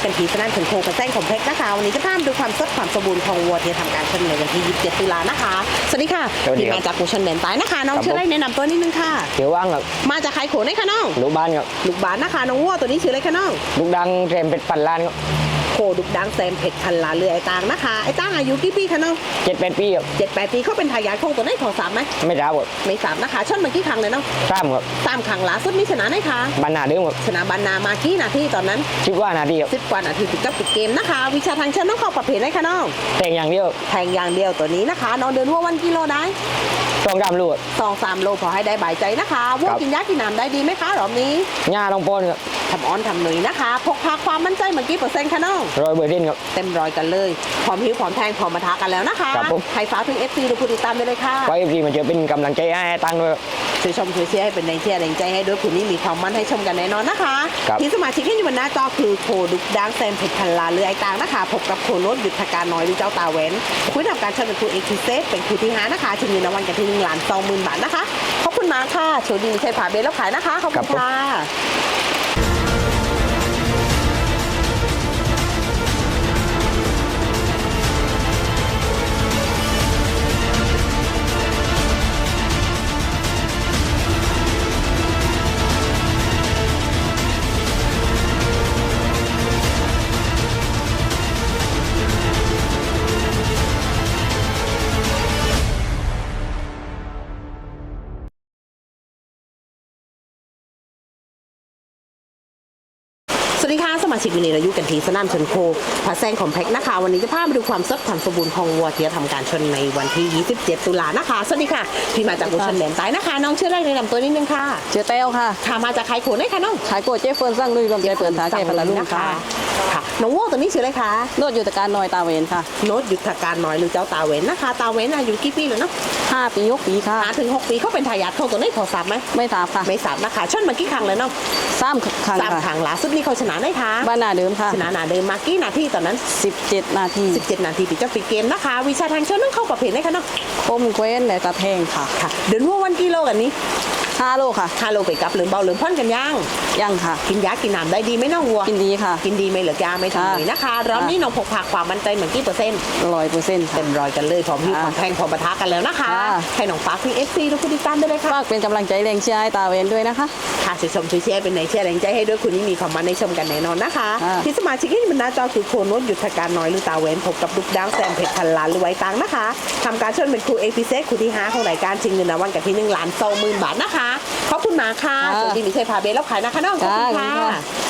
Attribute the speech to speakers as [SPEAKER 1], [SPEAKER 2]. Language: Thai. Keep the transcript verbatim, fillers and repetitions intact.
[SPEAKER 1] กันทีสนั่นถึงโคกระแซงของเพชรนะคะวันนี้จะพามาดูความสดความสมบูรณ์ของวัวที่ทำการชนในวันที่ยี่สิบเจ็ดตุลานะคะสวัสดีค่ะที่มาจากกูชนแดนใต้นะคะน้องชื่ออะไรแนะนำตัวนิดนึงค่ะ
[SPEAKER 2] เขียวว่างครับ
[SPEAKER 1] มาจากใครโขนได้คะน้อง
[SPEAKER 2] ลูกบ้านครับ
[SPEAKER 1] ลูกบ้านนะคะน้องวัวตัวนี้ชื่ออะไรคะน้อง
[SPEAKER 2] ลูกดังเทรมเป็ดพันล้านครับ
[SPEAKER 1] โคดุกดังแซมเผ็ดพันลาเรือไอ้ตางนะคะไอ้ตางอายุกี่ปีคะน้อง
[SPEAKER 2] เจ็ดแปดปีครับ
[SPEAKER 1] เจ็ดแปดปีเขาเป็นทายาทของตัวได้ของสามไหม
[SPEAKER 2] ไม่ทราบครับ
[SPEAKER 1] ไม่สามนะคะชนมากี่ครั้งเลยน้อง
[SPEAKER 2] สามครับ
[SPEAKER 1] สามครั้งล่าสุดมีชนะไหมคะ
[SPEAKER 2] บรรณาเดิมครับ
[SPEAKER 1] ชนะบรรณามากี่นาทีตอนนั้น
[SPEAKER 2] สิบกว่านาทีครับ
[SPEAKER 1] สิบกว่านาทีติดกับปิดเกมนะคะวิชาทางชนน้องเข้าประเภทได้คะน้อง
[SPEAKER 2] แทงอย่างเดียว
[SPEAKER 1] แทงอย่างเดียวตัวนี้นะคะน้องเดินวัววันกิโลได้
[SPEAKER 2] สองกรัมลูก
[SPEAKER 1] สองสามโลพอให้ได้ใบใจนะคะวัวกินยากินน้ำได้ดีไหมคะรอบนี้
[SPEAKER 2] หญ้าลงปนครับ
[SPEAKER 1] ทำอ้อนทำหนุยนะคะพกพาความมั่นใจเมื่อกี้เปอร์เซ็นต์คะน้อง
[SPEAKER 2] ร้อยเบอร์ดินครับ
[SPEAKER 1] เต็มร้อยกันเลยพร้อมหิวพร้อมแทงพร้อมมาท้ากันแล้วนะคะใครฝากถึง เอฟ ซี ดูผู้ติดตามได้เลยค่ะ
[SPEAKER 2] ไว้เอฟซีมาเจอเป็นกำลังใจให้ตั้งด้วย
[SPEAKER 1] ช่วยชมช่วยเชียร์ให้เป็นแรงเชียร์แรงใจให้ด้วยคุณนี่มีความมั่นให้ชมกันแน่นอนนะคะที่สมาชิกที่อยู่บนหน้าจอคือโคดุกดังแซมเผ็ดพันลาเรือไอตางนะคะพบกับโคโนดยุทธการน้อยหรือเจ้าตาเว้นคุยทำการเชิญเป็นครูเอ็กซ์เซฟเป็นครูที่ห้านะคะชิงเงินรางวัลกันที่หนึ่งล้านสองหมื่นบาทนะคะขอบคุณมากค่ะโชคดีใช้ผ่าเบลแล้วขายนะคะขอบคุณค่ะสวัสดีค่ะสมาชิกวันนี้เราอยู่กันที่สนามชนโคพระแซงคอมเพล็กซ์นะคะวันนี้จะพามาดูความสดความสมบูรณ์ของวัวที่จะทำการชนในวันที่ยี่สิบเจ็ดตุลานะคะสวัสดีค่ะพี่มาจากกูชนแดนใต้นะคะน้องชื่ออะไรแนะนำตัวนิดนึงค่ะ
[SPEAKER 3] ชื่อเต้วค่ะ
[SPEAKER 1] ค่ะมาจากใครโขนได้คะน้อง
[SPEAKER 3] ขายโกเจ๊เฟิร์นสร้างลุยรวมใจเปิดท้าแก่พลาลุ่มค่ะ
[SPEAKER 1] ค่ะน้องวัวตัวนี้ชื่ออะไรคะ
[SPEAKER 3] โนดยุทธการน้อยตาเวนค่ะ
[SPEAKER 1] โนดยุทธการน้อยหรือเจ้าตาเว้นนะคะตาเว้นอายุกี่ปีแล้วเนาะ
[SPEAKER 3] ห้าปีหกปีค่ะ
[SPEAKER 1] ห้าถึงหกปีเขาเป็นทายาทของตัวนี้พอทราบไหม
[SPEAKER 3] ไม่ทราบค่ะ
[SPEAKER 1] ไม่ทราบนะคะชนมากี่ครั้งแล้วเนาะ
[SPEAKER 3] สามครั้ง
[SPEAKER 1] สามครั้งล่าสุดนี้เขาชนะได้ค่ะ
[SPEAKER 3] บ้านนาเดิมค่ะ
[SPEAKER 1] ชนะนาเดิมมากี่นาทีตอนนั้น
[SPEAKER 3] สิบเจ็ดนาที
[SPEAKER 1] สิบเจ็ดนาทีปิดเจ้าปิดเกมนะคะวิชาทางชนต้องเข้าประเภทได้ค่ะเนาะ
[SPEAKER 3] คมเกว้นและตะแทงค่ะ
[SPEAKER 1] ค่ะเดินวัววันกิโลกันนี้
[SPEAKER 3] ห้าโลค่ะ
[SPEAKER 1] ห้าโลไปกับหรือเบาหรือพ่นกันย่าง
[SPEAKER 3] ยังค่ะ
[SPEAKER 1] กินยากินน้ำได้ดีไหมน้องวัว
[SPEAKER 3] กินดีค่ะ
[SPEAKER 1] กินดีไม่เหลือยาไม่ทำเลยนะคะรอบนี้น้องพกพาความมั่นใจเหมือนกี่เปอร์เซ็นต์
[SPEAKER 3] ร้อยเปอร์เซ็นต์
[SPEAKER 1] เต็มร้อยกันเลยพร้อมหิ้วพร้อมแทงพร้อมปะทะกันแล้วนะคะให้น้องฟ้าที่เอฟซีทุกคนติดตามได้เลยค่ะ
[SPEAKER 3] ฝากเป็นกำลังใจแรงเชียร์ให้ตาเวนด้วยนะคะ
[SPEAKER 1] ค่ะช่วยชมช่วยเชียร์เป็นไหนเชียร์แรงใจให้ด้วยคุณนี่มีความมั่นในชมกันแน่นอนนะคะที่สมาชิกที่มันหน้าจอคือโคโนดยุทธการน้อยหรือตาเวนพบกับลูกดังแซมเพชรพันล้านหรือไว้ตังนะคะทำการชนเป็นครูเอพิเซสครูที่ห้าของรายการชิงเงินรางวัลกันที่หนึ่งล้านสองหมื่นบาทนะคะขอบคุณมากค่ะสวัสดีมิเชยพาเบลแล้วขายนะคะน้องขอบคุณค่ะ